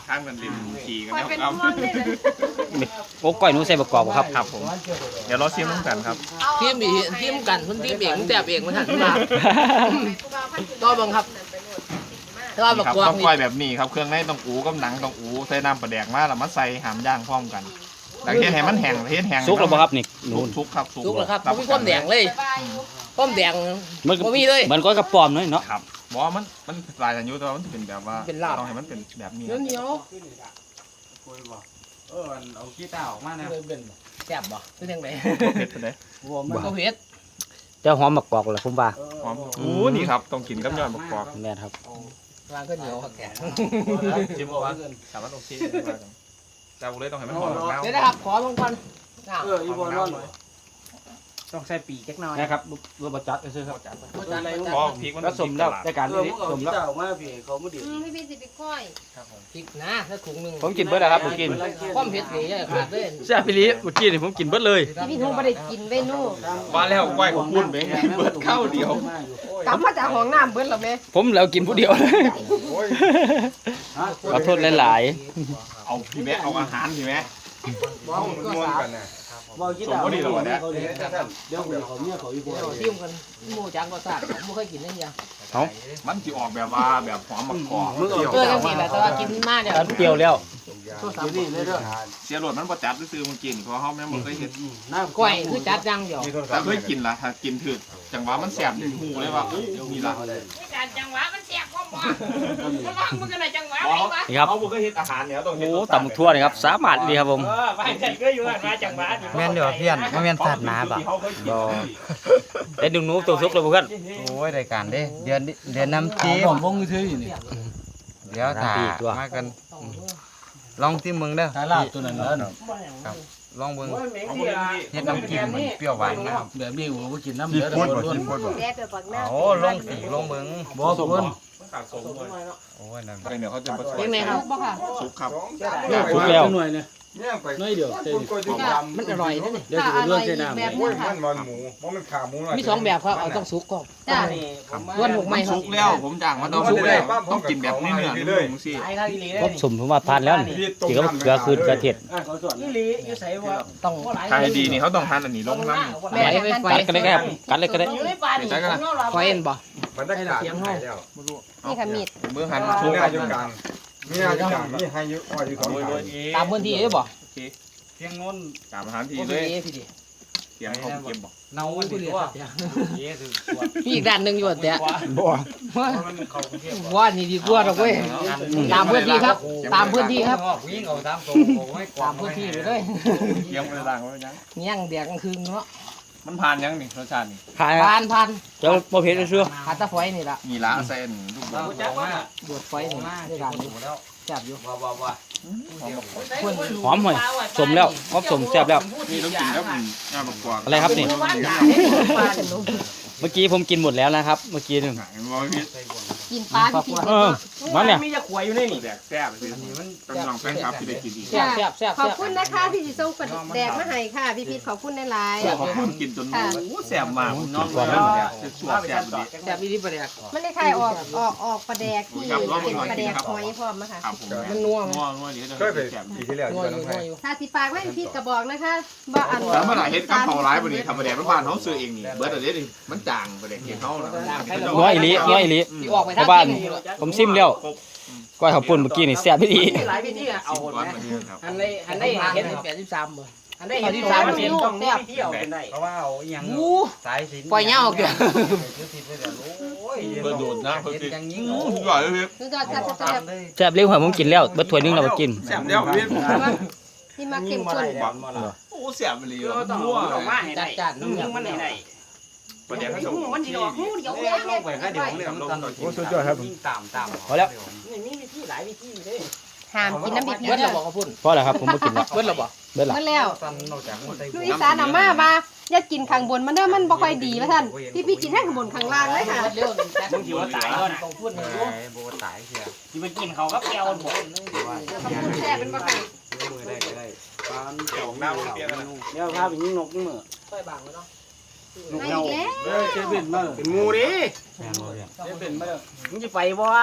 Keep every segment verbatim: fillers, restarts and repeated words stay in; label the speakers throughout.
Speaker 1: ข้างกันริมขี่กัน
Speaker 2: คอย
Speaker 1: แล้ว
Speaker 2: เป็น
Speaker 1: ครับ
Speaker 2: ห่วงเลยเลย
Speaker 3: โอ้ก้อยหนูใส่ประกอบครับ
Speaker 1: ครับผมเดี๋ยวเราชิมน้ำกันครับ
Speaker 4: ทีมอีทีมกันคนทีมเองแซ่บเองมันหันมาก็บังคับก็บัก
Speaker 1: ครับ
Speaker 4: กวาง
Speaker 1: ต้องก้อยแบบนี้ครับเครื่องในต้องอูกับหนังต้องอูใส่น้ำปลาแดกมาแล้วมาใส่หามย่างพร้อมกันหลังเทศแห้งมันแห้งเทศแห้ง
Speaker 3: ซุกแล้วบ่ครับนี่หนู
Speaker 1: ซุกครับ
Speaker 4: ทุกแล้วครับผมมีความแดงเลยความแดง
Speaker 3: มัน
Speaker 4: บ่มีเลย
Speaker 3: มันก้อยกระป๋อมน้อยเนาะ
Speaker 1: ครับบอกว่ามันมันลายอายุแต่ว่ามันจะเป็นแบบว่า
Speaker 4: เป็นลาบ
Speaker 1: ต้องให้มันเป็นแบบนี้
Speaker 4: เหนียวเหนียว
Speaker 5: เออเอาขี้ตาออกมาเนี่ย
Speaker 4: แซ่บบ่คือจังได๋
Speaker 1: เผ็ดเลย
Speaker 4: บ่เผ็ด
Speaker 3: แต่หอมมะกอกแหละผมว่า
Speaker 1: หอมโอ้นี่ครับต้องกินกับยอดมะกอก
Speaker 3: แม่นครับ
Speaker 4: วางก็เหนียวครับแก
Speaker 1: จิ้มว่าสามารถโอเคแต่บุเลยต้องให้มันหอมแล้ว
Speaker 4: เดี๋ยวนะครับขอลงก่อน
Speaker 5: เอออีบอลนอนต้องใส่ปีกจักหน่อย
Speaker 3: นะครับรสบจัดซื้อครับ
Speaker 1: พอพริกมัน
Speaker 3: แล้วสมแล้วได้การ
Speaker 5: เออ
Speaker 3: นี้
Speaker 5: มึงเอา
Speaker 3: สม
Speaker 5: ขี้
Speaker 3: แล้ว
Speaker 5: ตาออกมาพี่เขาไม่ดี
Speaker 2: อืมพี่พี่สิไปก้อย
Speaker 4: พริกนะถ้าถุงนึง
Speaker 3: ผมกินเบิดแล้วครับผมกิน
Speaker 4: ความเผ็ดนี่อย่าขาดเลย
Speaker 3: แซ่บพี่ลีเมื่อกี้นี่ผมกินเบิดเลย
Speaker 2: พี่พี่ทุ่งไม่ได้กินเว้ยนู่
Speaker 1: ว่าแล้วก้อยของคุณไปเบิดข้าวเดียว
Speaker 2: กลับมาจากห้องน้ำเบิ้ลหรอแม่
Speaker 3: ผมแล้วกินผู้เดียวเลยขอโทษหลาย
Speaker 1: เอาพี่แม่เอาอาหารพี่แม่
Speaker 5: บ้องม้วนกันนะบ้องขี้ตาเขาเดี๋ยวเขาเดี๋ยวเขาเนี่ยเขาอีบอล
Speaker 4: เดี๋ยวทิมกันหมูจังก็ทราบผมไม่เคยกินนั่นยัง
Speaker 1: มันจะออกแบบว่าแบบหอมมะกอก
Speaker 4: เออจังสิแหละแต่ว่ากินมากเนี่ย
Speaker 3: ๆเปรี้ยวแล้ว
Speaker 5: อยู่นี่เลยเด้อ
Speaker 1: เสียรสมันประจับซื้อมันกินเพราะเขาแม่บ่เคยเห็น
Speaker 4: ก้อยคือจัดจังเดียว
Speaker 1: แต่เคยกินละถ้ากินถึกจังหวะมันแสบหูเลยว่านี่ละ
Speaker 4: การจังหวะมันเสียความบ่มันว่ามันก็ได้จังหวะ
Speaker 3: นี่ครับ
Speaker 1: เขาบ่เคยเห็นอาหารเนี่ยต้องเห็น
Speaker 3: โอ้ตำทั่วนี่ครับสามารถดีครับผม
Speaker 4: ไปจัดก็อยู่มาจังหวะ
Speaker 6: แม่นเดี๋ยวเพี้ยนไม่แม่นสัตว์หมาบ่ะ
Speaker 3: บ่ได้ดึงหนูตัวซุกเลยเพื่อน
Speaker 6: โอ้ยรายการเด้เดือนเดือนน้ำจิ้ม
Speaker 5: ผมวงมือถืออยู่นี่
Speaker 6: เดี๋ยวถ่ามากันลองที่มึงเด้อ
Speaker 5: ถ่ายลาบตัวนั้นแล้วเนาะ
Speaker 6: ลองเบิ่งเฮ็ดน้ำจิ้มมันเปรี้ยวหวานนะครับ
Speaker 5: แบบนี้ผมก็กินน้ำเดือดล้วน
Speaker 2: แซ่บแบบบักหน้า
Speaker 6: โอ้ลองสีลองเบิ่ง
Speaker 5: บ่สมบูรณ์
Speaker 6: โอ้ยนั่น
Speaker 1: เดี๋ยวเขาจะผสม
Speaker 4: ยังไงครับ
Speaker 2: บ่ค่ะ
Speaker 1: ซุปครับ
Speaker 3: ซุกแล้ว
Speaker 5: หน่อยเนี่ยน้อยเดียวเต็ม
Speaker 4: มันอร่อยนะนี่
Speaker 5: เดี๋ยวจะไปล้วนใส่น้ำ
Speaker 2: แบบ
Speaker 5: เนี่ย
Speaker 2: นึงค่ะ
Speaker 7: มันหมูมันเป็นขาหมู
Speaker 4: มีสองแบบครับเอาต้องสุกก่อน
Speaker 2: จ้า
Speaker 4: ล้วนหกไม้ครับ
Speaker 1: ซุกแล้วผมจ้างมาต้องซุกแล้วต้องกินแบบเนื้อๆนุ่มๆสิ
Speaker 4: ไอ้ครับอีหลี
Speaker 3: ผมสมผมว่าทานแล้วนี่สีก็เกลือคืนกระเทียม
Speaker 5: เขาส่วน
Speaker 4: อีหลีอยู่ใส่ว่าต้อง
Speaker 1: ถ้าให้ดีนี่เขาต้องทานอันนี้ลงน้ำ
Speaker 4: แม่ไปไฟ
Speaker 3: กัดกันเลยครับกัดเลยก็ได้
Speaker 4: อยู่ในป่านี่ไฟเอ็นบ่
Speaker 7: มันได้ขาดหายแล้ว
Speaker 2: นี่ค่ะมีด
Speaker 1: เมื่อหัน
Speaker 7: มี
Speaker 1: ซุก
Speaker 7: ห
Speaker 1: ค
Speaker 7: น้า
Speaker 1: รับ
Speaker 7: อยู่กลางมีหน้าอยู่กลางมีให้อยู่อ้อยอยู่สองขา
Speaker 4: ตามพื้นที่ได้บ่
Speaker 5: เพียงง้น
Speaker 1: ตามอาหารที
Speaker 4: โอ
Speaker 1: เล
Speaker 4: เค
Speaker 1: ย
Speaker 4: พี่ดิ
Speaker 1: เสียงเขาเก็บบอก
Speaker 5: เนาดีกว่าเย้คือ
Speaker 4: มีอีกด้านหนึงอยู่แต่
Speaker 3: บ่
Speaker 5: มันเขาเทียบ
Speaker 4: ว่านี่ดีกว่าดอกเว้ยตามพื้นที่ครับ ตามพื้นที่ครับ
Speaker 5: วิ่งเอาตามตัวโอ้ย
Speaker 4: ตามพื้นที่ไปเลย
Speaker 1: เสียงมันต่างกันยัง
Speaker 4: เงี้ยงแดกกลางคืนเนาะ
Speaker 1: มันผ่านยังนี่รสชาตินี่
Speaker 3: ทาน
Speaker 4: ผ่านผ่าน
Speaker 3: เจ้าบ่เผ็ดเชื่อ
Speaker 4: หาตะไฟนี่ล่ะ
Speaker 1: มีละเส้นลูกบอล
Speaker 4: บวดไฟนี่ได้การนี้แซ่บอยู่
Speaker 5: ว้าวว้าวว้า
Speaker 3: หอมหน่อยสมแล้วหอมสมแซ่บแล้ว
Speaker 1: นี่ต้องกินแล้วมันงาประกอบ
Speaker 3: อะไรครับนี่ เมื่อกี้ผมกินหมดแล้วนะครับ เมื่อกี้นึง
Speaker 1: หายมองพิษ
Speaker 2: กินปลาพี่
Speaker 3: เออมาเนี่ย
Speaker 4: มีจะขวยอยู่นี่นี่
Speaker 1: แดกแซ่บสิต้องลองแฟนคลับที่ได้กินดี
Speaker 4: แซ่บแซ่บแซ่บ
Speaker 2: ขอบคุณนะคะที่สิส่งปลาแดกมาให้ค่ะพี่พีทขอบคุณหลาย
Speaker 1: ขอบคุณกินจนโอ้แซ่บมากน้องว่าแซ่บสวดแซ่บดี
Speaker 4: แซ่บอีนี่ปลาแดก
Speaker 2: ๆมันได้คล้ายออกออกออกปลาแดกที่เป็นปลาแดกหอยพร้อมนะคะ
Speaker 1: ครับผม
Speaker 4: มันนัว
Speaker 1: นัวนัวเดี๋ยว
Speaker 7: เคยไป
Speaker 1: แซ่บ
Speaker 7: ปีที่แล้วอ
Speaker 4: นั
Speaker 7: ยู่
Speaker 4: ว
Speaker 7: บ้าน
Speaker 4: อยู่
Speaker 7: น้อง
Speaker 4: นั
Speaker 7: ไผ่
Speaker 4: วอยู่
Speaker 2: ถ้าสิฝากไว้พี่พีทก็บอกนะคะบ่อัน
Speaker 1: แล้วเมื่อไหร่เฮ็ดกับเขาร้ายบ่นี่ทำประเดี๋ยวบ้านเขาซื้อเองนี่เบิร์ดเดี๋ยวนี่มันจางประเดี๋ยวเกี่ยวเขานะ
Speaker 3: น้อยอีหลีน้อยอีหลี
Speaker 4: ที่ออกไป
Speaker 3: ชาวบ้านผมซิมแล้วก้อยข้าวปุ้นเมื่อกี้นี่แซ่บดี
Speaker 4: หลายวิธีอ่ะเอา
Speaker 1: สิบก้อนมาเนี่ยครับ
Speaker 4: อันได้อันได้เห็นแปดสิบสามบ่อันได้เห็นที่สามมันเป็นต้องแซ่บ
Speaker 5: เที่ยวเป็นได้เพราะว่าเอาอย่าง
Speaker 4: อู้
Speaker 5: สายสิน
Speaker 4: ปล่อยเงาเกี่ยว
Speaker 5: โอ้ย
Speaker 1: เบิร์ดโดดนะเพิ่น
Speaker 5: เฮ็ด
Speaker 1: สิ
Speaker 5: อย่างนี้
Speaker 1: อือร่อยเลยพี่
Speaker 2: คือจอดจับจับ
Speaker 3: แซ่บเลี้ยงหอยผมกินแล้วเบิดถ้วยนึงแล้วมากิน
Speaker 1: แซ่บเดียวพี่
Speaker 2: ที่มาเข้มข้น
Speaker 1: โอ้แซ่บไปเลยนัว
Speaker 4: จัดจัดน้ำยำมันไหน
Speaker 1: ประเดี๋ยวเขาจะ
Speaker 2: มันสิออกหูเดียว
Speaker 5: เดี๋ยวลงไปก็เดี๋ยวเรื่องตอนโอ้สุดยอดครับตามตาม
Speaker 3: พอแล้ว
Speaker 4: นี่มีวิธีหลายวิธีเลย
Speaker 2: ห้ามกินน้ำพริก
Speaker 4: เบิด
Speaker 2: เด้
Speaker 4: เรา
Speaker 2: อ
Speaker 4: บอกเขาพูด
Speaker 3: พอแล้วครับผมบ่กินแล้ว
Speaker 4: เบิดเราบอก
Speaker 3: เบิดละ
Speaker 2: เมื่อแล้ว
Speaker 5: ตอนนอกจากมันได้
Speaker 2: ลูกอีสานเอามาว่าอย่ากินข้างบนมันเด้อมันบ่ค่อยดีว่าท่านพี่พี่กินแค่ข้างบนข้างล่างเลยค่ะ
Speaker 4: เร็วมึงคิดว่าตายแล้วนะต้องพูดหนึ่ง
Speaker 5: โบตายเชีย
Speaker 4: ที่ไปกินเขาก็แก้วบ่
Speaker 2: ขอบคุณแซ่บเป็นบ่ค่ะ
Speaker 5: มือได้ก็ได้ปาน
Speaker 1: เดี๋ยวหน้ามันเปรี้ยวกันนะ
Speaker 5: เดี๋ยวพาไปยิงนกมือ
Speaker 4: ค่อยบางเลยเนาะ
Speaker 2: มาอีกแล้ว
Speaker 5: เด้อเจเป็นมาเป็นงูดิเจเป็นมามึงจะไปบ่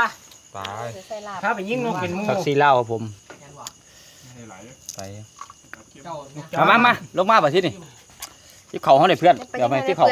Speaker 6: ตาย
Speaker 2: ใส่ลาบ
Speaker 5: ถ้าไปยิงนกเป็นมู
Speaker 3: ผักซีเหล้าครับผมไปมามามาลงมาป่ะที่นี่ที่เขาเขาเลยเพื่อนเดี๋ยวไปที่เขา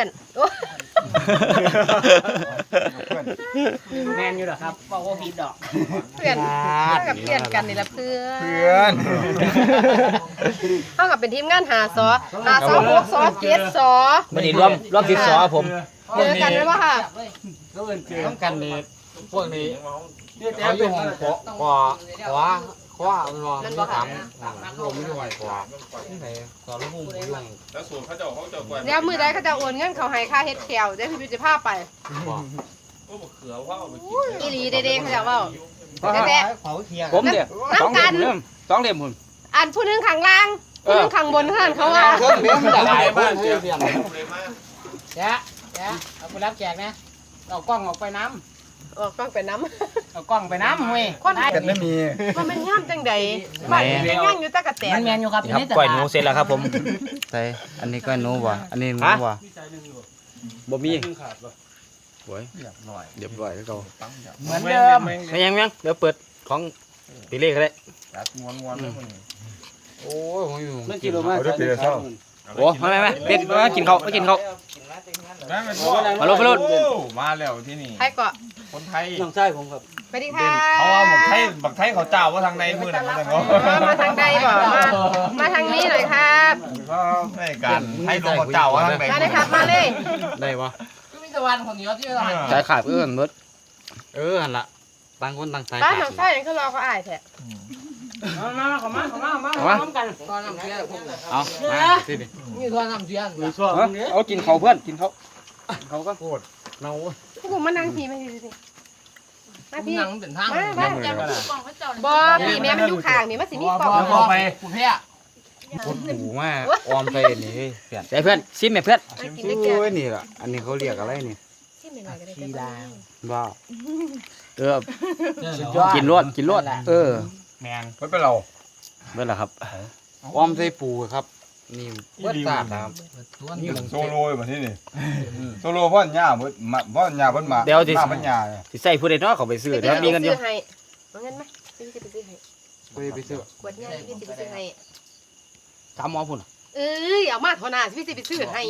Speaker 5: แมนอยู่เหรอครับบอกว่าผิดดอก
Speaker 2: เพื่อนเท่ากับเพื่อนกันนี่ละเพื่อน
Speaker 7: เพื่อน
Speaker 2: เท่ากับเป็นทีมงานหาซอหาซอหกซอเจ็ดซอ
Speaker 3: วันนี้ร่วมร่วมทิศซอครับผม
Speaker 2: เจอกันไหมวะค่ะ
Speaker 6: ต้องกันนี่พวกนี้
Speaker 5: เขา
Speaker 6: เขา
Speaker 5: อ
Speaker 6: อยู่ ยู่
Speaker 5: ห้
Speaker 6: ห้
Speaker 5: อ
Speaker 6: อง งขวาขวาขวาขวามันรอมันถามผมไม่ไหวขวาที่ไหนสอนลูกพุ่งอยู่ห้อง
Speaker 1: แล้วสูตรเขาเจ้าเขาเจ้ากวน
Speaker 2: แล้วมือใดเขาจะโอนเงินเขาให้ค่าเฮ็ดแคลได้พี่พิจิภาพไป
Speaker 1: โอ้บะเขือว่าเอาไปกิน
Speaker 2: อีหลีเด้ๆเขาจะว่า
Speaker 5: เขาเคียง
Speaker 3: ผมเนี่ยสองเหลี่ยมเริ่มสองเหลี่ยมผม
Speaker 2: อันผู้นึงข้างล่างผู้นึงข้างบนเท่านั้นเขาว่า
Speaker 6: เครื่องเลี้ยงได้บ้านเสีย
Speaker 5: แจ๊ะแจ๊ะเอาไปรับแจกนะเอากล้องออกไปน้
Speaker 2: ออกฟังไปน้
Speaker 5: ำเอากล้องไปน้ำเว้ย
Speaker 2: ำคน
Speaker 7: กันไม่มี
Speaker 2: ว่ามันงามจังใดบ้านเป็นงามอยู่ตะกะแต
Speaker 5: มัน นแมนอยู่ครับ
Speaker 3: นี่ครับก้อยหนูเสร็จแล้วครับผม
Speaker 6: ใช่อันนี้ก็หนูว่ะอันนี้หนูว่ะ
Speaker 3: บ่มี
Speaker 6: โอ้ยเรียบร้อยเรียบร้อยแล้วก็
Speaker 5: เหมือนเดิม
Speaker 3: ไม่ยังยังเดี๋ยวเปิดของตีเลขก็ได้
Speaker 1: รัดม้วนม้วนแล้วคน
Speaker 6: โอ้ยผมอยู่
Speaker 5: มันกิโลมา
Speaker 7: เอาด้วยปีละเท่า
Speaker 3: โอ้ไม่ไม่ไม่เด็กมากินเขาไม่กินเขา มาลงมาลง
Speaker 1: มาแล้วที่นี่
Speaker 2: ใครเกาะ
Speaker 1: คนไทย
Speaker 5: น้องชายผมครับ
Speaker 2: สวัสดีค่ะ
Speaker 1: เขาเอาบักไทยบักไทยเขาเจ้าว่าทางในมือนั่นมัน
Speaker 2: อ๋อมาทางใดบ่มามาทางนี้หน่อยครับ
Speaker 1: ในการให้ลงเขาเจ้าว่าทางไหน
Speaker 2: มาเลยครับมาเลย
Speaker 6: ได้ปะ
Speaker 5: ก็มีตะวันคนเหนียวที่ตลาด
Speaker 3: สายขาดเอื้อนมด
Speaker 6: เออหันละต่างคนต่างใจ
Speaker 2: บ้านหนองไส้ยังเขารอเขาอายแท้
Speaker 5: มามาขอมาขอมามาพร้อมกันตอนน้ำเชียร์ผม
Speaker 3: เอามาสิดิ
Speaker 5: นี่ตอนน้ำเชียร์
Speaker 3: เอากินเขาเพื่อนกินเขาเขาก็
Speaker 6: โคตรเนา
Speaker 2: พวกผมมานั่งพี่มาพี่สิมาพี่
Speaker 5: นั่งเป็นทาง
Speaker 2: มามาบ่พี่แม่มันอยู่ข้างนี่มันสิมีกล่อง
Speaker 5: พอไปคุณเพี้ย
Speaker 6: โคตรหูมากออมใจนี่เฮ้ยเพื่อน
Speaker 3: ใส่เพื่อนซิมแม่เพื่อน
Speaker 2: มากินได้แก่
Speaker 6: โอ้ยนี่ล่ะอันนี้เขาเรียกอะไรนี่
Speaker 2: ชิมหน่อยก็ได้
Speaker 5: สีดา
Speaker 6: บ้า
Speaker 3: เออกินรวดกินรวดเออ
Speaker 5: แมน
Speaker 7: ไม่เป็นเรา
Speaker 3: เมื่อไหร่ครับ
Speaker 6: ออมใจปูครับนี่เบิดตาดนะครับ
Speaker 7: นี่โซโล่มาที่นี่โซโล่พ่อนหญ้าเบิดมาพ่อนหญ้าเบิดมามาพ่อนหญ้า
Speaker 3: สิใส่ผู้ใดเนาะเขาไปซื้อเดี๋ยวมีกันอยู่
Speaker 2: ให้เอาเงินไหมพี่สิไปซื้อให้
Speaker 6: ไปไปซื้อก
Speaker 2: วดเงินพี่สิไปซื้อให้
Speaker 3: สามหมอพุ่น
Speaker 2: เอ้ยเอามาเท่านั้นพี่สิไปซื้อให้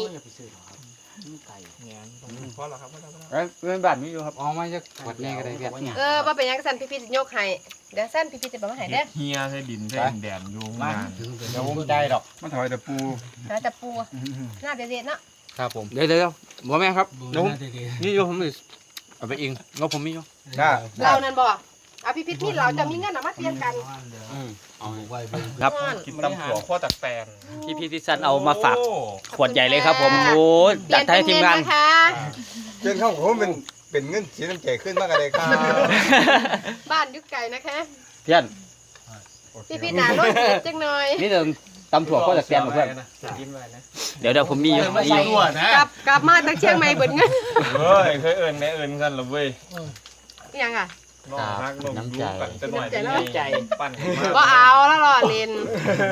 Speaker 1: พอแล้วครับ
Speaker 3: เอ้ยเพื่อนบ้านมีอยู่ครับ
Speaker 6: ออมมาจากขวดนี้ก็ได้เพื่อน
Speaker 2: เออว่าเป็นยังสั่นพี่พี่สิยกให้เดี๋ยวสั่นพี่พี่จะไปมาให้เด้อ
Speaker 1: เฮียใส่ดินใส่แดนอยู่งาน
Speaker 3: เดี๋ยวผมได้ดอก
Speaker 7: มันถอยแต่ปู
Speaker 2: น่าจะปูหน้าเด็ดๆเนาะ
Speaker 6: ครับผม
Speaker 3: เดี๋ยวเดี๋ยวบ่แม่ครับนุ้มนี่อยู่ผมนี่เอาไปเองงบผมมีอยู่
Speaker 7: หน้า
Speaker 2: เรานั่นบ่เอาพี่พิษมีเราจะมีเงินเอามาเปลี่ยนกัน
Speaker 3: ครับ
Speaker 1: กินตำถั่วขั้วตักแตน
Speaker 3: พี่พี่ที่สันเอามาฝากขวดใหญ่เลยครับผมโอ้จัดให้ทีมงาน
Speaker 2: นะคะ
Speaker 7: เงินเข้าผมเป็นเป็นเงินสีน้ำใจขึ้นมากเลยครับ
Speaker 2: บ้านยุคไก่นะคะ
Speaker 3: เพื่อน
Speaker 2: พี่พิษหนาลดเจ็ดจังหน่อย
Speaker 3: นี่เดิมตำถั่วข้อจากแกนเพื่อนเดี๋ยวเดี๋ยวผมมีอยู่มีอยู่
Speaker 1: ตัวนะ
Speaker 2: กลับกลับมาจากเชียงใหม่เบิดเงิน
Speaker 1: เฮ้ยเคยเอิญแม่เอิญกันหรอเว้ย
Speaker 2: ยังอ่ะ
Speaker 1: น้องฮักลงยูกันจะหน่อยปั่น
Speaker 2: ก็เอาแล้วรอเล่น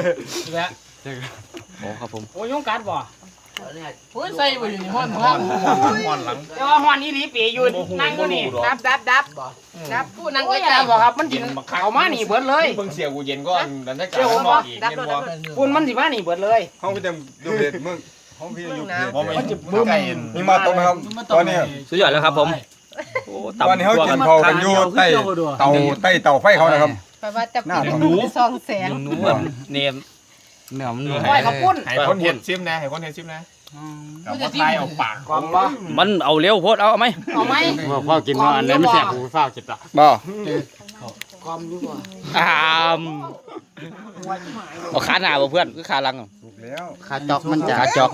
Speaker 3: โอ้ครับผม
Speaker 5: โอ้ยงการบ่โอ้ยใส่ไปอยู่ในห้องห้อง
Speaker 1: มอนหลัง
Speaker 5: แต่ว่าห้องนี้รีปีอยู่นั่งอยู่นี่
Speaker 2: ดับดับดับดับพูดนั่ง
Speaker 5: โอ้ย
Speaker 2: ใกล้
Speaker 5: บ่ครับมันกินเขามานี่เบิดเลย
Speaker 1: เบิ่งเสียกูเย็นก่อนดันได้การมองอีก
Speaker 2: ดับ
Speaker 1: เย็น
Speaker 2: ดั
Speaker 1: บ่
Speaker 2: บ
Speaker 5: ปุ่นมันสิมานี่เบิดเลย
Speaker 7: ห้องพี่เต็มดูเด็ดมึงห้องพี่อยู่เด็ด
Speaker 1: บ่ไม่ไก่
Speaker 7: มีมาตรงนะครับตอนนี้
Speaker 3: สุดยอดแล้วครับผมโอ้
Speaker 7: ตอนนี้
Speaker 3: ตำ
Speaker 7: เขา
Speaker 3: ตัว
Speaker 7: กิ
Speaker 3: กัน น
Speaker 7: เขากันอยู่ใต้เตาใต้เตาไฟเขานะครับ
Speaker 2: แปลว่าจะปิดหนูซองแสง
Speaker 3: หนูแบบเนม
Speaker 6: เหนียวมันหนุ่ม
Speaker 5: ก้อยข้าวปุ้น
Speaker 1: ให้คนเห็ดซิมนะให้คนเห็ดซิมนะกับว่าทายเอาปาก
Speaker 5: กองบ่
Speaker 3: มันเอาเร็วโพดเอาไหม
Speaker 5: เอาไหม
Speaker 6: ว่าพ่อกินว่าอันนี้ไม่แสบกูเฝ้าจิตอ่ะ
Speaker 7: บ่
Speaker 5: กอมอยู่บ่
Speaker 3: อามเอาขาหน้าบ่เพื่อนคือขาหลัง
Speaker 7: ถูกแล้ว
Speaker 6: ขาจอกมันจะ
Speaker 3: ขาจอก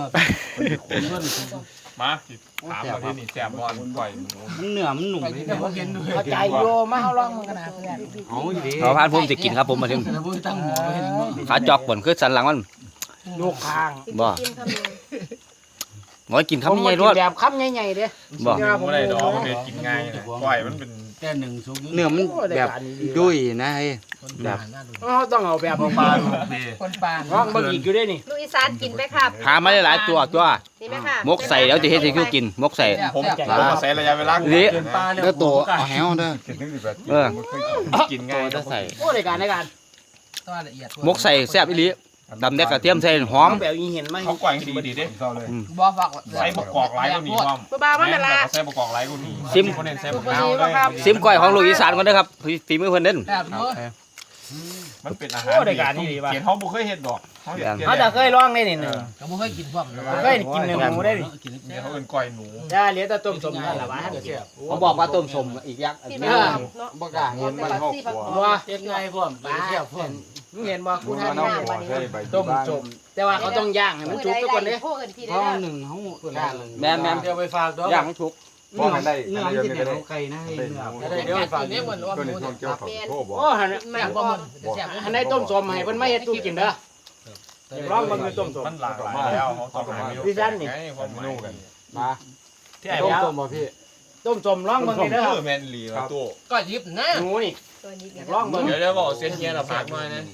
Speaker 1: มาถามมาที่นี่แซ่บบอลปล่อย
Speaker 6: มันเหนือมันหนุ่มเลย
Speaker 5: เข้าใจอยู่มาเฮาลองมันกันนะเพื่อน
Speaker 6: เอาดี
Speaker 3: ขอพานผมจะกินครับผมมาถึง
Speaker 5: แต่บ่ตั้งหมอเห็นบ่
Speaker 3: ขาจอกบ่นคือสันหลังมัน
Speaker 5: ลูกคาง
Speaker 3: บ่
Speaker 2: กินคำนึง
Speaker 3: บ่กินคำใหญ่รวด
Speaker 5: แบบคำใหญ่ๆเด้
Speaker 3: บ่
Speaker 1: ไม่ได้ดอกมันกินง่ายนะปล่อยมันเป็น
Speaker 6: เนื้อมันแบบดุยนะเฮ้ย
Speaker 4: เขาต้องเอาแบบปลาคนปลาร้องบะอีกอยู่ได้นี่
Speaker 2: ลูกอีสานกินไหมครับ
Speaker 3: หามาหลายๆตัวตัว
Speaker 2: นี่ไหมค่ะ
Speaker 3: มกใส่แล้วจะเฮ็ดให้คิวกินมกใส่
Speaker 1: ผมผมมาใส่ระยะเวลา
Speaker 3: นี่
Speaker 6: แล้วตัวเอาแหวเด้อ
Speaker 7: คิดถึงสิบแปด
Speaker 3: เออ
Speaker 1: กินง่าย
Speaker 6: จะใส่
Speaker 4: โอ้ในการในการ
Speaker 3: มกใส่แซ่บอีหลีดำแดกกระเทียมใส่หอม
Speaker 4: แบบอีเห็นไหม
Speaker 1: เขากวางดีดีเด้
Speaker 7: เศร้าเลย
Speaker 4: บ่ฟัก
Speaker 1: ใส่ประกอบหลายกว่านี้ความ
Speaker 2: บ่บามันเป็นละ
Speaker 1: ใส่ประกอบหลายกว่านี้
Speaker 3: ซิม
Speaker 1: คนเน้นใส่ประกอบเลย
Speaker 3: ซิมก้อยของลูกอีสานก่อนเด้อครับฝีมือเพิ่นเด่น
Speaker 4: แบบนู้น
Speaker 1: มันเป็นอาหารเขียนเขาบุเคยเห็ดดอกเขาเห็ด
Speaker 4: เขาจะเคยร้องได้นี่หนึ่งเขาบ่เคยกินพวกเคยกินหนึ่งหมูได้ดิ
Speaker 1: เขาเป็นก้อยหนู
Speaker 4: จ้าเหลือแต่ต้มสมนั่นแหละวะถ้าเกิดเชื่อ
Speaker 3: เขาบอกว่าต้มสมอีกยักษ์
Speaker 2: ที่ไม่เอาเนาะ
Speaker 6: บ่กล้าเห็นมันหกหัว
Speaker 4: ว่าเฮ็ดไงพวกปลาเชื่อพวกมึงเห็นบ่กู
Speaker 7: มัน
Speaker 4: ทาน
Speaker 7: เอา
Speaker 4: น้
Speaker 7: หัวใส่ใบ
Speaker 4: ำต้มสมแต่ว่าเขาต้องย่างให้มันสุกทุกคนเด้
Speaker 2: พวกอื่นพี่
Speaker 6: เพ
Speaker 2: ได้
Speaker 6: ราะ
Speaker 2: แล้ว
Speaker 6: หนึ่งเฮา
Speaker 3: แม่นแม่น
Speaker 4: เดี๋ยวไปฝากดอก
Speaker 3: ย่างให้สุก
Speaker 7: เพราะมันได้
Speaker 6: เนื้อ
Speaker 7: อัน
Speaker 6: มัน
Speaker 7: นี้
Speaker 6: สิ
Speaker 7: ไม่
Speaker 6: เหนี
Speaker 7: ได้
Speaker 6: ยวไก่นะให้เนื้อ
Speaker 4: เดี๋ยวไปฝากนี่มันว่า
Speaker 7: ก็
Speaker 4: ห
Speaker 7: ใน
Speaker 4: มู
Speaker 7: ช่วงเกี่ยวของโทษบอก
Speaker 4: โอ้หันแม่บ่มันอันไหนต้มสมให้เพิ่นมาเฮ็ดตู้กินเด้อร้องมันคือต้มสม
Speaker 1: มันหลากหลายแล้วเขาต้องหา
Speaker 4: พี่จันนี่
Speaker 1: ความหมายกัน
Speaker 6: มา
Speaker 1: ที่ไอ้
Speaker 6: ต้ม
Speaker 1: ยา
Speaker 6: ต้มบ่พี่
Speaker 4: ต้มสมร้องมันนี่เด้อ
Speaker 1: แมนลีมาตู้
Speaker 4: ก็ยิบนะหมูนี่
Speaker 2: ตัวนี้เนี่ย
Speaker 4: ร้องมัน
Speaker 1: เดี๋ยวจะบอกเสียเฮียเราฝากมานะ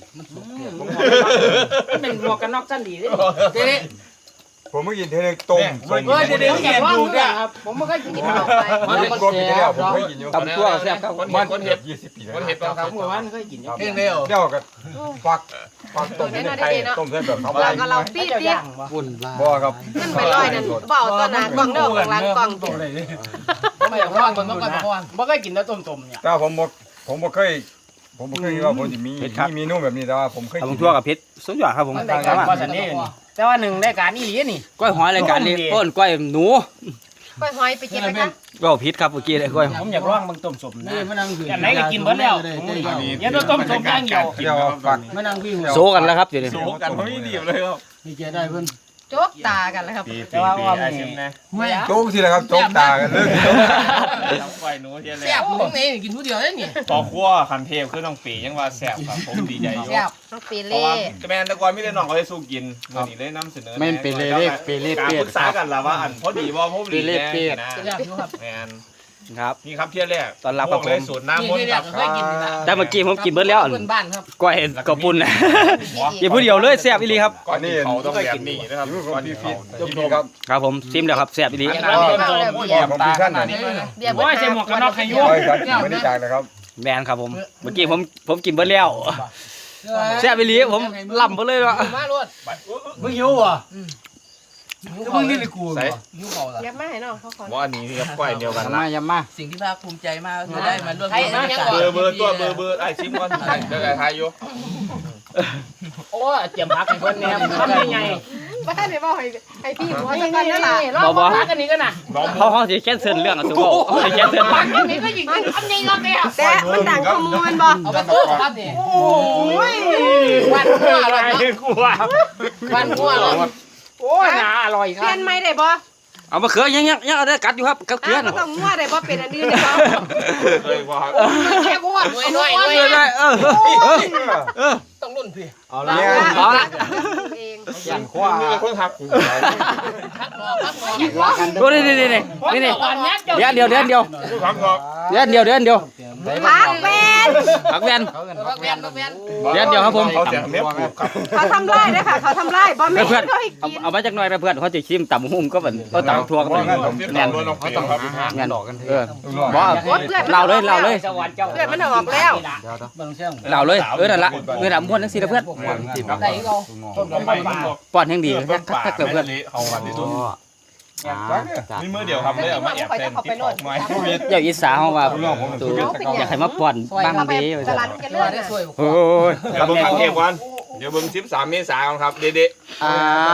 Speaker 4: มันเป็นหมวกกันน็อกสั้นดีเด้เด้
Speaker 7: ผมเมื่อกี้เทนึงต้ม
Speaker 4: เฮ้ยเดี๋ยวเห็นดูเนี่ยครับผมไม่เคยกิน
Speaker 2: กิน
Speaker 4: ข้าว
Speaker 2: เข้าไป
Speaker 7: มันเป็นกลมปีแล้วผมเคยกินอยู่
Speaker 3: ตำตัวแซ่บครับ
Speaker 1: คน
Speaker 7: มั
Speaker 1: เห็
Speaker 7: น
Speaker 1: ดคนเห็ด
Speaker 7: ยี่สิบปีแล้ว
Speaker 1: คนเห็ดบ้างค
Speaker 4: ค
Speaker 1: รั
Speaker 4: รั
Speaker 1: บบ
Speaker 4: เมื่อวานเคยกิน
Speaker 1: เพียงเดียว
Speaker 7: เดี๋ยวก็ฟักฟักต้มในไข่ต้มเส้นแบบเขา
Speaker 2: เราก็เราปี
Speaker 4: เจ้า
Speaker 2: ปี
Speaker 4: ย่างบ่
Speaker 6: วุ่นวาย
Speaker 7: บ่ครับ
Speaker 2: มันไปลอยนั่นเบาต้นหน้ากล่องเด้อข้างหลังกล่องติ
Speaker 4: ไม่อยากร้องมันก็บ่บ่เคยกินแล้วต้มๆเนี่ย
Speaker 7: แต่ผมบ่ผมบ่เคยผมบ่เคยคิดว่าผมจะมีมีเมนูแบบนี้แต่ว่าผมเคย
Speaker 3: เอา
Speaker 7: กิน
Speaker 3: ทั่วกับพริกสุดยอดครับผม
Speaker 4: มันได้การก็สันนี่นี่แต่ว่าหนึ่งได้การนี่ดีนี่
Speaker 3: ก้อยหอยรายการนี้ต้นก้อยหนู
Speaker 2: ก้อยหอยไปกินไหมคะ
Speaker 3: ก็พิษครับเมื่อกี้เลยก้อย
Speaker 4: ผมอยากร้องมันต้มสมนะ
Speaker 6: นี่มานั่งพี่
Speaker 4: อันไหนก็กินเบิดแล้วเดี๋ยวต้มสมย่างเดียว
Speaker 7: เดี๋ยวฟัก
Speaker 6: มานั่งพี่
Speaker 3: โซกันแล้วครับเดี๋ยวนี้
Speaker 1: โซกันเขาไม่ดีเลยครับ
Speaker 6: นี่แกได้เพิ่น
Speaker 2: โจ๊กตากันแล้วครับ
Speaker 1: ปีปีปีไอซิมนะ
Speaker 7: โจ๊กสิแหละครับโจ๊กตากันเลย
Speaker 1: ต้องไฟหนูเทียนแล้
Speaker 4: แซ่บ
Speaker 1: ว
Speaker 4: มึงนี่กินผู้เดียวได้นี่
Speaker 1: ต่อขั้วคันเทพคือน้องปียังว่าแซ่บครับผมดีใจอยู่
Speaker 4: แซ่บ
Speaker 2: น้องปี
Speaker 1: เพราะ
Speaker 2: เล่
Speaker 1: ว่าแมนตะกอนไม่ได้น้องเขาให้สู้กินวันนี้เลยนำเสนอ
Speaker 6: แม่นเป็นเลยเด้เปเล่
Speaker 1: การ
Speaker 6: เป็
Speaker 1: ป
Speaker 6: ด
Speaker 1: รึกษากันแล้วว่าอันพอดีว่าพอดีแน่นะ
Speaker 4: แซ่บอยู่ครับ
Speaker 1: แมน
Speaker 3: ครับ
Speaker 1: นี่ครับเที่ยแรก
Speaker 3: ตอนรับครับผม
Speaker 1: เลยสูตรน้ำมนต์ครับ
Speaker 4: เคยกินนะ
Speaker 3: แต่เมื่อกี้ผมกินเบิดแล้ว
Speaker 4: เพื่อนบ้านครับ
Speaker 3: ก้อยกระปุ่นนะอย่าพูดเดียวเลยแซ่บอีหลีครับ
Speaker 1: ก่อนนี้เขาต้องแบบนี้นะครับ
Speaker 7: นี่
Speaker 1: ก่อน
Speaker 7: พี่
Speaker 1: ที่
Speaker 7: ฟิ
Speaker 1: เขา
Speaker 7: ตพี่ครับ
Speaker 3: ครับผมซิมแล้วครับแซ่บอีหลี
Speaker 1: อันนั้นต้มๆผมตาขนาดนี้
Speaker 2: เบียร์
Speaker 4: โอ้ยใส่หมวกกันน็อกให้ยุ่
Speaker 7: โอ้ยครับไม่ได้จางนะครับ
Speaker 3: แมนครับผมเมื่อกี้ผมผมกินเบิดแล้วแซ่บอีหลีผมล่ำไปเลยว่ะ
Speaker 4: มาลวด
Speaker 6: มึงหิวอ่ะมึงนี่เลยกู
Speaker 1: ใส่
Speaker 4: ยุ่งเขาละ
Speaker 2: เบียร์มาให้น้องเขาขอ
Speaker 1: ว่าอันนี้ครับก้อยเดียวกัน
Speaker 6: ยำ
Speaker 1: ละ
Speaker 6: มายำมา
Speaker 8: สิ่งที่ภาคภูมิใจมากคือได้มาร่วม
Speaker 1: เบอร์เบอร์ตัวเบอร์เบอร์ไอ้ซิมก่อนเดี๋ยวไอ้ทายอยู่
Speaker 4: โอ้เจียมพักให้เพิ่นแหนมทำยังไง
Speaker 2: บ้านเนี่ยบอกให้ให้พี่หัวตะกันนั่นแหละ
Speaker 4: รอบพักกันนี้กันนะ
Speaker 1: น้อง
Speaker 3: เขาเขาจะแค่เซินเรื่องอ่ะสุโขเขาจะแค่เซิน
Speaker 4: พักกันนี้ก็ยิงทำยังไงเนี่ย
Speaker 2: แต่มันดังขโมยบ่
Speaker 4: เอาไปตู้ครับนี่โอ้ยวันหัวอร่อย
Speaker 3: กลัว
Speaker 4: วันหัวอร่อยโอ้ยน่าอร่อยค
Speaker 2: เป
Speaker 4: รั
Speaker 2: ลี่
Speaker 4: บ
Speaker 2: ยนไม่ได้บ่
Speaker 3: เอามาเขือยังยังยังเอาได้กัดอยู่ครับกับเขือ
Speaker 2: อ่ะต้องงัวได้บ่เป็นอันอื่นได้บ่
Speaker 1: เคยว่า
Speaker 4: แค่หัวหน่วยหน่วยหน่วย
Speaker 3: เออได้เออเออ
Speaker 4: ต้องรุ่นพี่
Speaker 6: เอาละ
Speaker 3: เอาละ
Speaker 2: เอง
Speaker 6: ยันขวา
Speaker 1: มีคนทักกู
Speaker 4: พักหนอพักหนอ
Speaker 6: ว่ากัน
Speaker 3: ดูนี่นี่นี่นี่นี่เดี๋ยวเดี๋ยวเดี๋ยวเดี๋ยว
Speaker 1: ทักหรอก
Speaker 3: เดี๋ยวเดี๋ยวเดี๋ยวเดี๋ยว
Speaker 2: พักเป็น
Speaker 3: ผักแวน
Speaker 4: พักแวนพักแวน
Speaker 3: เดี๋ยวเดี๋ยวครับผม
Speaker 1: เขาจะเม็ดปลูกครับ
Speaker 2: เขาทำลายได้ค่ะเขาทำลายบ่แม่น
Speaker 3: เพื่อน
Speaker 2: เขาให้
Speaker 3: เอา
Speaker 2: กิน
Speaker 3: เอามาจากหน่อยนะเพื่อนเขาจะชิมต่ำหุ่มก็เหมือนเขาต่ำทัวก็เหมือน
Speaker 1: แน่นน้องปีครับ
Speaker 3: งาน
Speaker 6: ดอกกันเถ
Speaker 3: เออ
Speaker 6: อะ
Speaker 3: บอเราเลยเราเลย
Speaker 4: สวรรค์เจ้า
Speaker 2: เพื่อนมันออกแล้ว
Speaker 6: เดี๋ยวเดี๋ยวเบิ่งเสียง
Speaker 3: เราเลยเออนั่นละเออหนำม้วนทั้งสี่เพื่อน
Speaker 4: ได้ก็
Speaker 1: ต้นไม้ป่า
Speaker 3: ป้อนแห่งดี
Speaker 1: ต้นป่า
Speaker 3: ถ้าเกิดเพื่อน
Speaker 1: เขาวันที่สุด
Speaker 6: อ่าจัด
Speaker 1: นี่มือเดียวครับเลยเอามาแอบเต้นที่ของไม้
Speaker 3: อย่าอิสาเขาว่าตัวอยากให้มาป้อนบ้าง
Speaker 2: เขาไป
Speaker 3: ดี
Speaker 2: ตลาดกันเลื่อน
Speaker 4: ได้
Speaker 2: น่ะ
Speaker 4: สวย
Speaker 3: โอ้ย
Speaker 1: เดี๋ยวเบิ่งทางเทพวันเดี๋ยวเบิ่งสิบสามเมษายนครับเด็ด
Speaker 3: อ้าม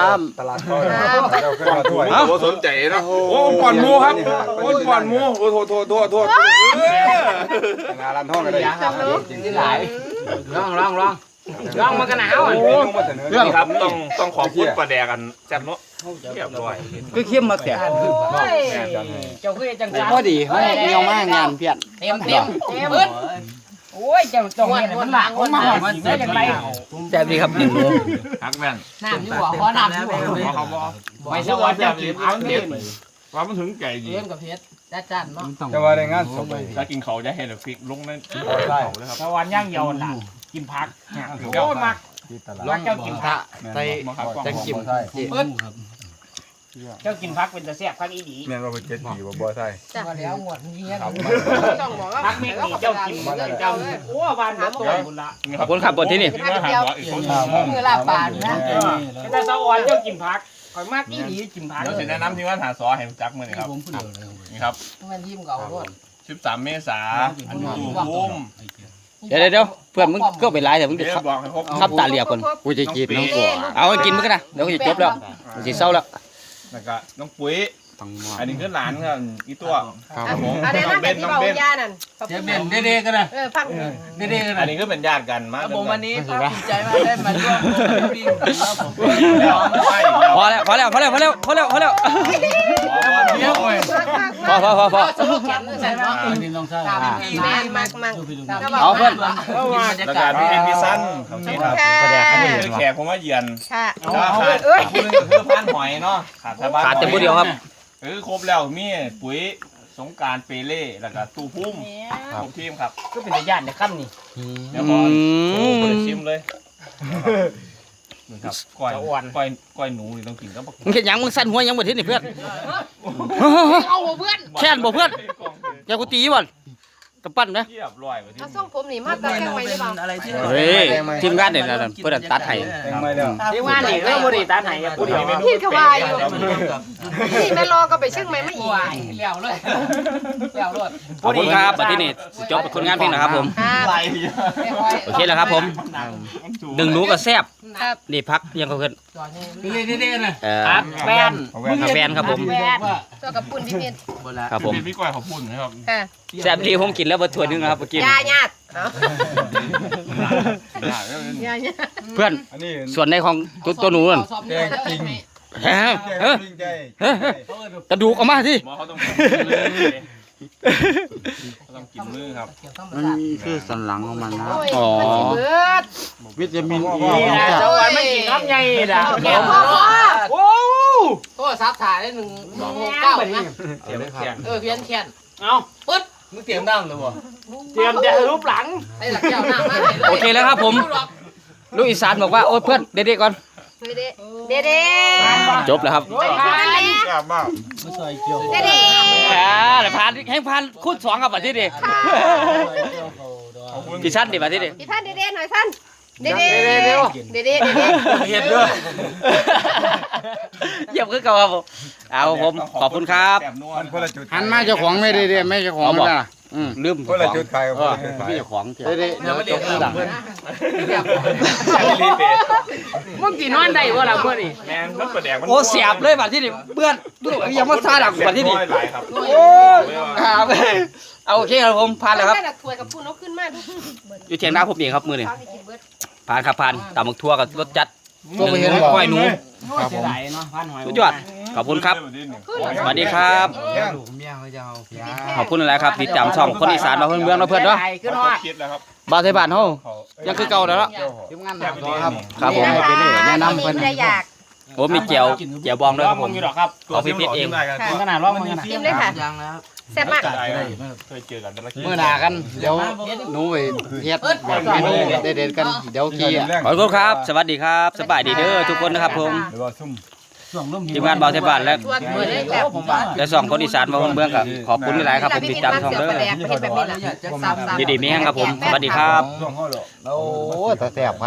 Speaker 7: ตลาดก้อยเราขึ้นมาถ้วย
Speaker 1: ๆโอ้สนใจนะโอ้ก่อนมูครับโอ้ก่อนมูโอ้โทษโทษโทษโทษ
Speaker 7: งานร้านห้องกันเลย
Speaker 6: จริงที่หลาย
Speaker 4: ร้องร้องร้องร้องมันก็หนาวอ่ะ
Speaker 1: เรื่องครับต้องต้องขอบคุณประแดกันแซ่บเนาะเรียบร้อย
Speaker 3: คือเข้มมาแต่
Speaker 4: เจ้าคือจัง
Speaker 6: พอดีเฮ้ยเงียวมากงานเพี้ยน
Speaker 4: เต็มเต็มเบิดโอ้ยเจ้าจงเนี่ยมันหลังมันมาหอดได้อย่างไร
Speaker 3: แซ่บดีครับหนึ่งโล
Speaker 1: ฮักแม่น
Speaker 4: น้ำอยู่บ่ขอน้ำอยู่บ่
Speaker 1: เขาบอก
Speaker 4: ไม่สวัสดิ์จะกินอันนี้
Speaker 1: ว่ามันถึงไก่ดี
Speaker 4: เลี้ยงกับเพชรจ้าจันเนาะ
Speaker 7: จะว่าได้งานศพ
Speaker 1: ถ้ากินเขาจะเห็นฟิกลงนั่น
Speaker 7: ได้
Speaker 1: เขาเลยครับ
Speaker 4: สวรรค์ย่างเยาวน่ะ
Speaker 3: กินผัก
Speaker 1: โอ้มัก
Speaker 7: ที่ตลา
Speaker 3: ลอง
Speaker 7: ด
Speaker 3: เจ้ากินผัก
Speaker 7: ใส่
Speaker 3: จะกิน
Speaker 7: ใส่
Speaker 3: เจ้ากินผักเป็นตะแซ่บผักอีหลี
Speaker 7: แม่นว่าเจ็ดปีบ่บ่ใส่
Speaker 4: มาแล้วงวดนี้
Speaker 1: ครับ
Speaker 2: ต้องบอกว่า
Speaker 3: ผักเม็ดนี่เจ้ากินเจ้าโอ้บานหัวตัวบุญละ
Speaker 1: ขอบคุณครับบนที่นี่
Speaker 4: มือลาปานนะ
Speaker 3: แต่สะออนเจ้ากินผักข่อยมากอีหลีกินผัก
Speaker 1: เดี๋ยวสิแนะนำที่ว่าหาซอให้จักมื้อนี่ครับนี่ครับ
Speaker 4: มันยิ้มเก่าด้วย
Speaker 1: สิบสามเมษาอันนี้พุ่ม
Speaker 3: เดี๋ยวเดี๋ยวเพื่อนมึงก็ไปไล่แต่มึง
Speaker 1: เดี๋ยวบอกให้ครบ
Speaker 3: ขับตาเหลียบคนกูจะกินน้องกัวเอากินมึงกันนะเดี๋ยวกูจะจบแล้วกูจะเศร้าแล้ว
Speaker 1: แล้วก็น้องปุ๋ย
Speaker 3: ต้องม
Speaker 1: อันนี้คือหลานครับอีตัวครับผม
Speaker 2: อันนี้
Speaker 1: น้
Speaker 2: น่า
Speaker 1: องเบ
Speaker 2: จะ
Speaker 1: น
Speaker 2: ที่
Speaker 1: น้อง
Speaker 2: เบา
Speaker 1: เบน
Speaker 2: ยานั่น
Speaker 6: เจ๊เป็นเด้ๆกันนะ
Speaker 2: เออฟัง
Speaker 6: เด้ๆกัน
Speaker 1: อั
Speaker 6: นะ
Speaker 1: นนี้คือเป็นญาติกันมา
Speaker 8: ผมวันนี้ภาคภูมิใจมากได้มาร่วมวิ่งแล้วผม
Speaker 3: พอแล้วพอแล้วพอแล้วพอแล้วพอแล้วพอแล้วพอพอพอพอ
Speaker 4: แขนใส่มา
Speaker 6: นี่น้องชาย
Speaker 2: แม่มักมัก
Speaker 3: เอาเพื่อน
Speaker 1: แล้วก็พี่เป็นพี่สั้นครับนี่ครับ
Speaker 3: ประแดกให้
Speaker 1: คือแขกผมมาเยือน
Speaker 2: ค่ะ
Speaker 1: แล้วขาดผู้นึงก็คือพานหอยเนาะขาดแต่บ้าน
Speaker 3: ขาดแต่ผู้เดียวครับ
Speaker 1: เออครบแล้วมีปุ๋ยสงการเปเล่แล้วก็ตู้พุ่มครบทีมครับ
Speaker 3: ก็เป็นญาติในค่ำนี่
Speaker 1: เดี๋ยวบอลโชว์ไปชิมเลยนี่ครับก้อยก้อยก้อยหนูนี่ต้องกินกับบัก
Speaker 3: มึงเห็นยังมึงสั่นหัวยังบ่ทิศนี่เพื่อน
Speaker 2: เอาเพื่อน
Speaker 3: แค่นบ่เพื่อนอย่ากูตีบ่กำปั้นนะ
Speaker 1: เทียบร้อยว่าที่
Speaker 2: เอาส่งผมนี่มาตัดแกงไว้หรือเปล่า
Speaker 8: อะไรที่
Speaker 3: เฮ้ยทีมงานเนี่ยนะเพื่อนตัดให้
Speaker 7: แตงไม่แล้ว
Speaker 3: ทีมงานนี่ก็บ่ได้ตัดให้ผู้เดียว
Speaker 2: พี่ขวายอยู่นี่แม่รอก็ไปเชียงใหม่มาอีก
Speaker 4: วายเลี้ยวเลยเลี้ยวรถ
Speaker 3: ขอบคุณครับบัดนี้นี่จบคนงานเพียงนะครับผม
Speaker 2: ครับ
Speaker 1: ไร
Speaker 3: โอเคแล้วครับผมดึงหนูก็แซ่บ
Speaker 2: ครับ
Speaker 3: นี่พักยังก็เพิ่น
Speaker 6: เด้ๆกันนะ
Speaker 3: เอ่อ
Speaker 6: แฟน
Speaker 3: ผักแฟนครับผม
Speaker 2: ตัวกับปุ่นพี่เพียน
Speaker 3: ครับผม
Speaker 1: พี่ก้อยขอบคุณนะครับ
Speaker 2: ค่ะ
Speaker 3: แซ่บดีผมกินแล้วบ่ถ้วยนึงนะครับเมื่อกี้
Speaker 2: ยาญาติเนาะยาญาติ
Speaker 3: เพื่อน
Speaker 7: อันนี้
Speaker 3: ส่วนในของตัวตัวหนูนั่น
Speaker 7: แกงจริง
Speaker 3: เฮ้ย
Speaker 7: แกง
Speaker 3: เฮ้ย
Speaker 7: จริงใจ
Speaker 3: เฮ้ยกระดูกออกมาสิ
Speaker 1: หมอเขาต้องต้องกินมือครับ
Speaker 6: มันคือสันหลังของมันนะ
Speaker 2: โอ้ยมันสิเบิด
Speaker 6: วิตามินอี
Speaker 3: นี่นะเจ้าอันไม่กินครับใหญ่ด่า
Speaker 2: แกงพ่อพ่อ
Speaker 3: โอ้
Speaker 4: โทรศัพท์ถ่ายได้หนึ่งหนึ่งหกเก้านะ
Speaker 1: เดี๋ยวแข็ง
Speaker 4: เออเพี้ยนแขน
Speaker 3: เอา
Speaker 4: ปึ๊ด
Speaker 6: มึงเตรียมดั้งเลยบ่
Speaker 3: เตรียมจะรูปหลัง
Speaker 4: ไอ้หลักแก้วหน้ามา
Speaker 3: โอเคแล้วครับผม ลูกอีสานบอกว่าโอ้ยเพื่อนเด็กๆก่อน
Speaker 2: เด็ดเด็ดเด็ด
Speaker 3: จบแล้วครับ
Speaker 2: เด็ดเด็ด
Speaker 1: แซ่บมาก
Speaker 6: ไม่ใส่เกี่ยว
Speaker 2: เด็ดเด็ด
Speaker 3: อ่าเดี๋ยวผ่านให้ผ่านคูณสองกับบัตรที่ดิ
Speaker 1: ขอบคุณ
Speaker 3: กี่ชั้นดิบัตรที่ดิ
Speaker 2: พี่ท่านเด็ดเด็ดหน่อยท่านเด็ดเด็ดเด็ดเด็ดเด็ดเด็ด
Speaker 3: เห็นด้วยเยี่ยมขึ้นเก่าครับผมเอาผมขอบคุณครับ
Speaker 1: แซ่บนัว
Speaker 7: มันคนละจุด
Speaker 6: หันมาเจ้าของไม่ได้เด้ไม่เจ้าของไม่ได้อืม
Speaker 3: ลืม
Speaker 7: คนละจุดขายกับคนละจุดขาย
Speaker 3: พี่เจ้าของเถ
Speaker 6: เด้
Speaker 3: อะ
Speaker 6: เด้เดี๋ยวเดี๋ยวเดี๋ยว
Speaker 1: รีเปย์
Speaker 3: มึงกินนอนได้บ่ล่ะเมื่อนี่
Speaker 1: แมนมันประแดกมัน
Speaker 3: โอ้เสียบเลยบัตรที่ดิเบื่อนดูยังมาซาดักบัตรที่ดิ
Speaker 1: หลายครับ
Speaker 3: โอ้ครับเอาโอเคครับผมผ่านแล้วครับ
Speaker 2: แม่ละถ้วยกับปุ่นเอาขึ้นมาดู
Speaker 3: อยู่เทียงหน้าผมเองครับมือนี่
Speaker 2: ข้าวที่กินเบิด
Speaker 3: ผ่านครับผ่านตำบักทั่วกับรสจัดหนึ่งหนูก้อยหนูสุดยอดขอบคุณครับ สวัสดีครับ
Speaker 6: ลูกเมียเขาจะเอาเพีย
Speaker 3: ขอบคุณอะไรครับติดตามช่องคนอีสานมาเพื่อนเมืองเราเพื่อนเนาะ
Speaker 1: ขึ้นฮอดคิดแล้วครับ
Speaker 3: บ้านไทยบ้านเฮายังคือเก่าแล้วเนาะ
Speaker 6: ทีมงานหนักครับ
Speaker 3: ครับผม
Speaker 6: แนะนำเพิ่น
Speaker 2: ได้อยาก
Speaker 3: โอ้มีเจียวเจียวบองด้วยครับผมขอพี่ปิดเอง
Speaker 2: ขนาดร้องมันกินเลยค่ะ
Speaker 8: ยังนะครับ
Speaker 2: แซ่บมาก
Speaker 1: เคยเจอกันแต่ละที
Speaker 6: เมื่อหนากันเดี๋ยวหนูไปเฮ็ดแบบเมนูเด็ดๆกันเดี๋ยวขี้
Speaker 3: ขอบคุณครับ สวัสดีครับสบายดีเด้อทุกคนนะครับผม
Speaker 7: หรือว่าซุ่ม
Speaker 3: ทีมงานบ้านไทยบ้านและ
Speaker 2: ชวนเบิดเลยแซ่บ
Speaker 3: และสองคนอีสานมาเพื่อนเมืองครับขอบคุณหลายๆครับผมติดตามช่องเด้อ
Speaker 2: ประเด็กประเด็นแบบนี้ล่ะ
Speaker 8: อยากจะทราบ
Speaker 3: ดีๆมีแห้งครับผมสวัสดีครับ
Speaker 7: ช่วงเขาหรอก
Speaker 6: โอ้แต่แซ่บ